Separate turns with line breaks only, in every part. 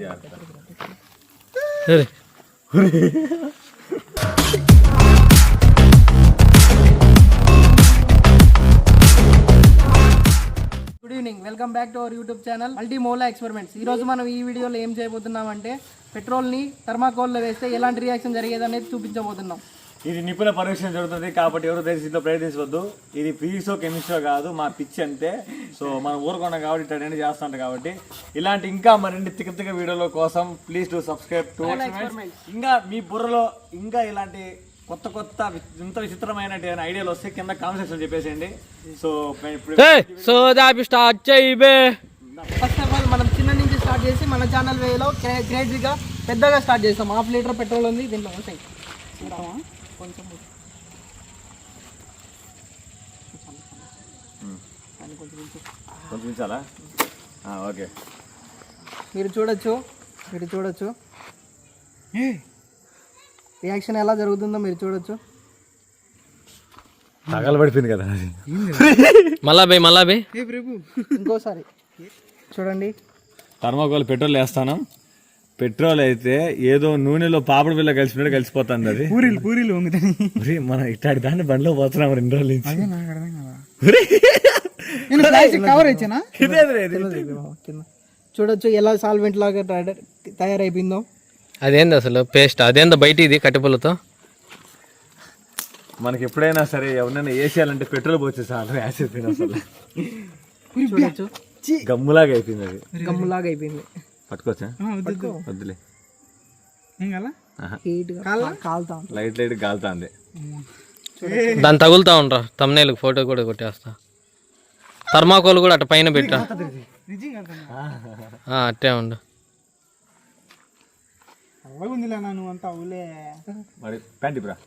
Good evening, welcome back to our YouTube channel మల్టీమోలా experiments. ఈ రోజు మనం ఈ వీడియోలో ఏం చేయబోతున్నామంటే పెట్రోల్ని థర్మాకోల్లో వేస్తే ఎలాంటి రియాక్షన్ జరిగేది అనేది చూపించబోతున్నాం.
ఇది నిపుణ పరీక్ష జరుగుతుంది కాబట్టి ఎవరు దేశంలో ప్రయత్నించవద్దు. ఇది ఫిజిక్సో కెమిస్ట్రో కాదు, మా పిచ్చి అంతే. సో మనం ఊరుకున్నాం కాబట్టి ఇట్లా చేస్తుంటాం కాబట్టి ఇలాంటి ఇంకా మరిన్ని తిక్క వీడియోల కోసం ప్లీజ్ టు సబ్స్క్రైబ్ టు ఇంకా మీ బుర్రలో ఇంకా ఇలాంటి కొత్త కొత్త ఇంత విచిత్రమైన ఐడియాలు వస్తే కింద కామెంట్ సెక్షన్ చెప్పేసేయండి. సో
ఫస్ట్ ఆఫ్ ఆల్ మనం చిన్న నుంచి స్టార్ట్ చేసి మన ఛానల్ వేలో గ్రేడ్గా పెద్దగా స్టార్ట్ చేస్తాం. 1/2 లీటర్ పెట్రోల్ ఉంది దీంట్లో. ఉంటాయి కొంచెం
కొంచెం చాలా ఓకే.
మీరు చూడొచ్చు రియాక్షన్ ఎలా జరుగుతుందో మీరు చూడొచ్చు.
తగలబడిపోయింది కదా
మళ్ళా బే
ఇంకోసారి చూడండి.
థర్మాకోల్ పెట్రోల్ వేస్తాను. పెట్రోల్ అయితే ఏదో నూనెలో పాపడ పిల్ల కలిసినట్టు కలిసిపోతుంది. అది పూరీలు మనం ఇట్లాంటి దాన్ని బండిలో పోతున్నాం 2 రోజుల నుంచి.
చూడొచ్చు ఎలా సాల్వెంట్ లాగా తయారైపోయిందో.
అదేంది అసలు పేస్ట్? అదేందో బయట ఇది కట్టెపుల్లతో.
మనకి ఎప్పుడైనా సరే ఎవరైనా వేసేయాలంటే పెట్రోల్ పోతే చాలు వేసేపోయింది. అసలు
చూడొచ్చు
గమ్ములాగా అయిపోయింది. అది
గమ్ములాగా అయిపోయింది.
పట్టుకోవచ్చా? వద్దులే, లైట్ కాలుతాంది.
దాన్ని తగులుతా ఉండరా తమ్నేల్ ఫోటో కూడా కొట్టేస్తా. థర్మాకోల్ కూడా అట్ట పైన పెట్టా అట్టే ఉండు.
మరి ప్యాంట్ బ్రా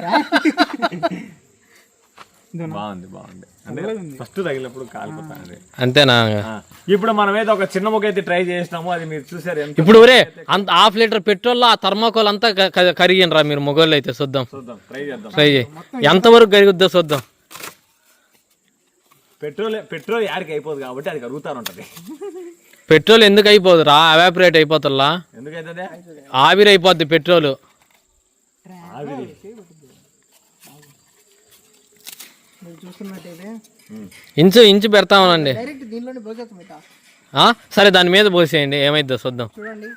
బాగుంది అంటే ఫస్ట్ తగిలినప్పుడు కాలిపోతాను
అంతేనా?
ఇప్పుడు మనం ఏదో ఒక చిన్న ముక్క అయితే ట్రై చేసినాము, అది మీరు చూసారు.
ఇప్పుడు అంత 1/2 లీటర్ పెట్రోల్ ఆ థర్మాకోల్ అంతా కరిగినరా మీరు మొగోళ్ళు అయితే. చూద్దాం ట్రై చేయి ఎంతవరకు కరుగుద్దో చూద్దాం.
పెట్రోల్ యాడికి అయిపోదు కాబట్టి అది కరుగుతాను ఉంటది.
పెట్రోల్ ఎందుకు అయిపోదు రా? ఎవాపరేట్ అయిపోతుందా?
ఎందుకైతే
ఆవిరి అయిపోద్ది పెట్రోల్. ఇంచు పెడతామనండి. సరే దాని మీద పోసేయండి, ఏమైద్దో చూద్దాం.
చూడండి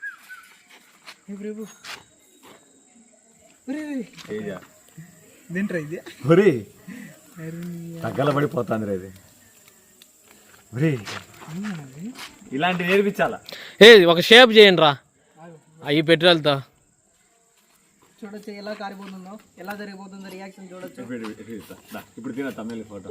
తగ్గలబడిపోతుంది ఇది. ఇలాంటి నేర్పించాలా?
ఒక షేప్ చేయండి రా ఈ పెట్రోల్తో.
చూడొచ్చు ఎలా కారిపోతుందో, ఎలా జరిగిపోతుందో రియాక్షన్ చూడొచ్చు.
ఇప్పుడు తిన తమిళ ఫోటో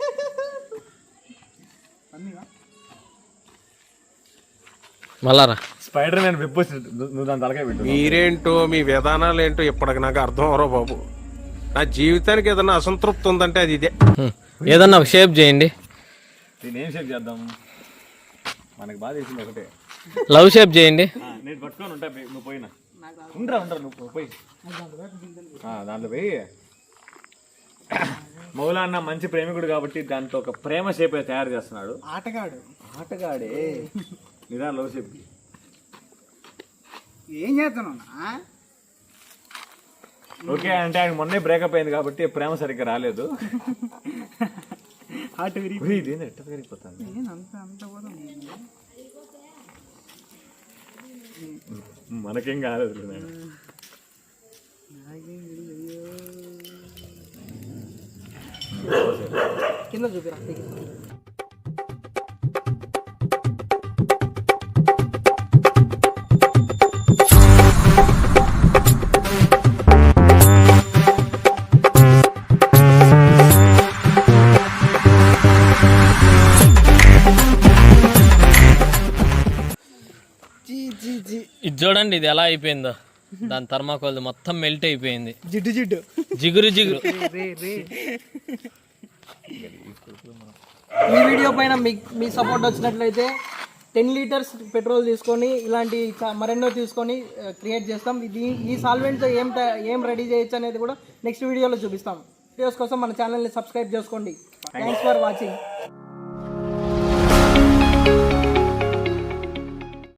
మళ్ళారా
స్పైడర్ మ్యాన్ వెబ్ నువ్వు దాని తలకాయ పెట్టు.
మీరేంటో మీ విధానాలు ఏంటో ఇప్పటికి నాకు అర్థం అవరో బాబు. నా జీవితానికి ఏదన్నా అసంతృప్తి ఉందంటే అది ఇదే.
ఏదన్నా ఒక షేప్ చేయండి.
దీన్ని ఏం షేప్ చేద్దాం? మనకి బాగా తెలిసింది ఒకటే,
లవ్ షేప్ చేయండి.
నేను పట్టుకొని ఉంటా, నువ్వు పోయినా ఉండరా నువ్వు పోయి దాంట్లో పోయి. మౌలాన్న మంచి ప్రేమికుడు కాబట్టి దాంట్లో ఒక ప్రేమ షేప్ తయారు చేస్తున్నాడు. ఆటగాడే నిదా లవ్ షేప్
ఏం చేస్తున్నావు?
ఓకే అంటే ఆయన మొన్నే బ్రేకప్ అయింది కాబట్టి ప్రేమ సరిగ్గా రాలేదు. ఎట్టరిగిపోతుంది మనకేం కాలేదు.
కింద చూపిరా.
ఇది చూడండి, ఇది ఎలా అయిపోయిందో. దాని థర్మాకోల్ మొత్తం మెల్ట్ అయిపోయింది. జిగురు
ఈ వీడియో పైన మీ సపోర్ట్ వచ్చినట్లయితే 10 లీటర్స్ పెట్రోల్ తీసుకొని ఇలాంటి మరెన్నో తీసుకొని క్రియేట్ చేస్తాం. ఈ సాల్వెంట్తో ఏం రెడీ చేయొచ్చు అనేది కూడా నెక్స్ట్ వీడియోలో చూపిస్తాం. వీడియోస్ కోసం మన ఛానల్ని సబ్స్క్రైబ్ చేసుకోండి. Thanks for watching.